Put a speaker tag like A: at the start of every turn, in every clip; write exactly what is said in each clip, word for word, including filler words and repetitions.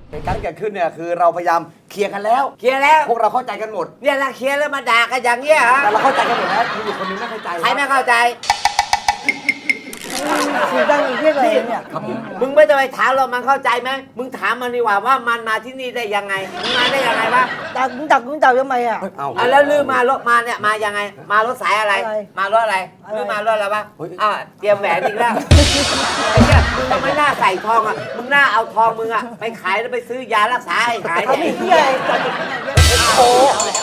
A: เหตุการณ์ที่เกิดขึ้นเนี่ยคือเราพยายามเคลียร์กันแล้ว
B: เคลียร์แล้ว
A: พวกเราเข้าใจกันหมด
B: เนี่ยละเคลียร์แล้วมาด่ากันอย่างเงี้ยฮะ
A: แต่เราเข้าใจกันหมดแล้วมีอยู่คนนึงไม่เข้าใจ
B: ใครไม่เข้าใจ
C: สีดังอีกเรื่องอะไรเนี่ย
A: ครับผม
B: มึงไม่ต้องไปถามเรามันเข้าใจไหมมึงถามมันดีกว่าว่ามันมาที่นี่ได้ยังไงมึงมาได้ยังไงวะ
C: ดักมึงดักมึงดักทำไมอ่ะ
A: เอา
B: อ่ะแล้วลือมารถมาเนี่ยมายังไง มารถสายอะไร
C: อะไร
B: มารถอะไร
C: อะไร
B: ลือมารถอะไรวะอ่ะเตรียมแหวนอีกแล้วไอ้เนี่ยมึงไม่น่าใส่ทองอ่ะมึงน่าเอาทองมึงอ่ะไปขายแล้วไปซื้อยารักษาให้หาย
C: เขา
B: เนี่ย
C: ไม่เที่ยอะไรจัด
B: โอ้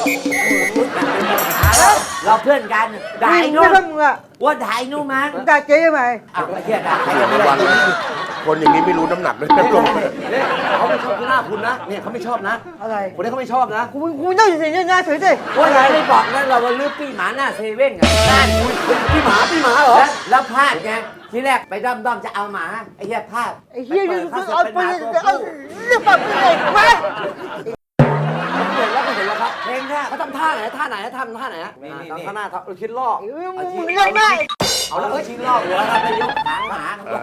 B: เราเพื่อนกันด่าไอ้
C: มึ
B: นุ่
C: ง
B: ม
C: ไม่มึงอ่ะ
B: ว่าด่าไอ้นุ่มมัน
C: มึงด่าเจ๊ทำไม
B: อ้าวไอ้เหี้ยด่าใครยังไม่ได้
D: วันคนอย่างนี้ไม่รู้น้ำหนักเลยนะลง
A: เนี่ยเขาไม่ชอบหน้าคุณนะเนี่ยเขาไม่ชอบนะ
C: อะไร
A: คนนี้เขาไม่ชอบนะ
C: กูกูนั่งอยู่เฉยๆหน้าเฉยดิ
B: ว่าไงไม่บอกนะเราว่าลือปีหมาหน้าเซเว่นไงนั่น
A: พี่หมาพี่หมาเหรอ
B: แล้วแล้วพลาดไงทีแรกไปด้อมด้อมๆจะเอาหมาไอ้เหี้ยพลาด
C: ไอ้เหี้ยนี่
B: ไป
C: มึ
B: เปิ
C: ง
B: ด
C: เอา
B: เขา
C: ไป
B: จะเป็นหมาตัว
C: เอา
B: ผู้
C: เรื่องแบบนี้เลยมา
A: เห็นแล้วก็เห็นแล้วครับ
B: เพลงแค่
A: เขาทำท่าไหนท่าไหนทำท่าไหนฮะ
B: นี่นี่
A: ทำท่าหน้าเขาคิดลอก
C: มึงมึงเรื่องได้
B: เอาแล้วชิ้นลอกหัวครับไปยกหางหมาครับ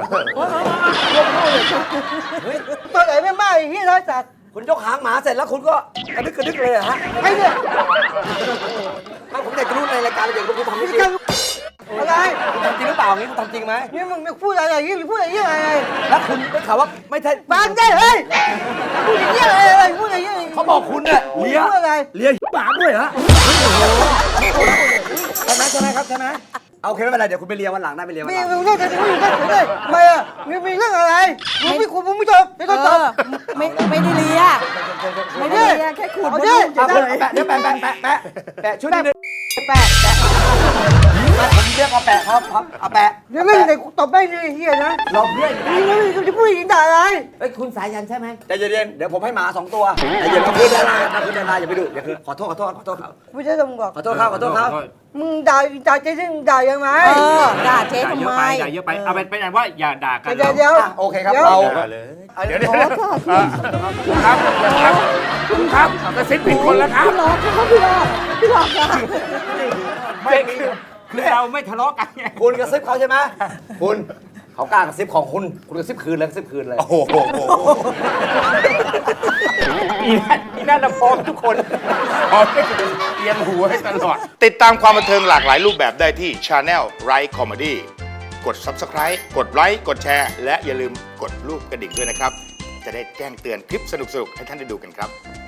C: ตัวไหนไม่มาไอ้เหี้ยร้อยสัตว์
A: คุณยกหางหมาเสร็จแล้วคุณก็กระดึกกระดึกเลยเหรอฮะ
C: ไอ้เนี่ย
A: ไม่ผมอยากจะรู้ในรายการเด็กคุณทำจริง
C: นี่กันอะไร
A: คุณทำจริงหรือเปล่างี้คุณทำจริงไหม
C: นี่มึงไม่พูดอะไรอย่างงี้มึงพูดอะไรอย่างงี้อะไร
A: แล้วคุณได้ข่าวว่าไม่ใช่
C: ฟังได้เฮ้ยพูดอย่างงี้อะไรอะไรพูดอย่างงี้
A: เขาบอกคุณเนี่ยเลี้ย
C: พูดอะไร
A: เลี้ยหมาด้วยเหรอใช่ไหมใช่ไหมครับใช่ไหมเอาโอเคไม่เป็นไรเดี๋ยวคุณไปเลี้ยวันหลังได้ไปเลี้ยวัน
C: มี
A: หลัง
C: มึงเรื่องอะไรมึงเรื่องอะไรไม่อะมีมีเรื่องอะไรมึงไม่คุยมึงไม่จบไม่ต้องจบ
E: ไม่ไม่ได้เลีย
C: ไม่
E: ไม่
C: ได้
E: ได้เลียแค่ขูด
C: เอา
E: มด
C: ดิ
E: ลูก
A: เอา
E: เฉย
A: แปะเดี๋ยวแปะแปะแปะแปะแปะชุดนี้นึง
E: แปะแปะ
A: ผมเรียกเอาแปะครับครับเอาแปะ
C: เดี๋ยวไม่ได้ตบไม่ได้เฮียนะ
B: เราเพื่อนกัน
C: นี่แล้วมึงจะพูดอย่างนี้ด่าอะไร
B: เอ้ยคุณสายันใช่ไหม
A: ใจเย็นๆเดี๋ยวผมให้หมาสองตัวใจเย็นๆคือดาราคือดาราอย่าไปดูอย่าคือขอโทษขอโทษขอโทษครับ
C: ไม่ใช่ต้องบอก
A: ขอโทษครับขอโทษครับ
C: มึงด่าด่าเจ๊ซึ่งด่ายังไง
E: เออด่าเจ๊
F: ด่า
E: ทำ
F: เยอะ
E: ไม
F: ไปด่าเยอะไป เอาเป็นเป็นอันว่าอย่าด่ากัน
C: เดี๋ยวเดี๋ยว
A: อ่ะโอเคครับ
C: ดี๋ยว
A: เรา
D: เลย
F: เดี๋ยวเดี๋ยวเออคุณครับครับคุณครับกระซิบผิดคนแล้วครับ
E: พี่หลอกเขาพี่หลอกพี่หลอกค่ะ
F: ไม่คือคือเราไม่ทะเลาะกันไง
A: คุณกระซิบเขาใช่ไหมคุณเขากล้ากระซิบของคุณคุณกระซิบคืนเลยกระซิบคืนเลย
D: โอ้โห
F: อีนั่นอีนั่นเราพร้อมทุกคนพร้อมให้เตรียมหัวให้ตลอด
D: ติดตามความบันเทิงหลากหลายรูปแบบได้ที่ Channel Right Comedy กด Subscribe กดไลค์กดแชร์และอย่าลืมกดรูปกระดิ่งด้วยนะครับ จะได้แจ้งเตือนคลิปสนุกๆ ให้ท่านได้ดูกันครับ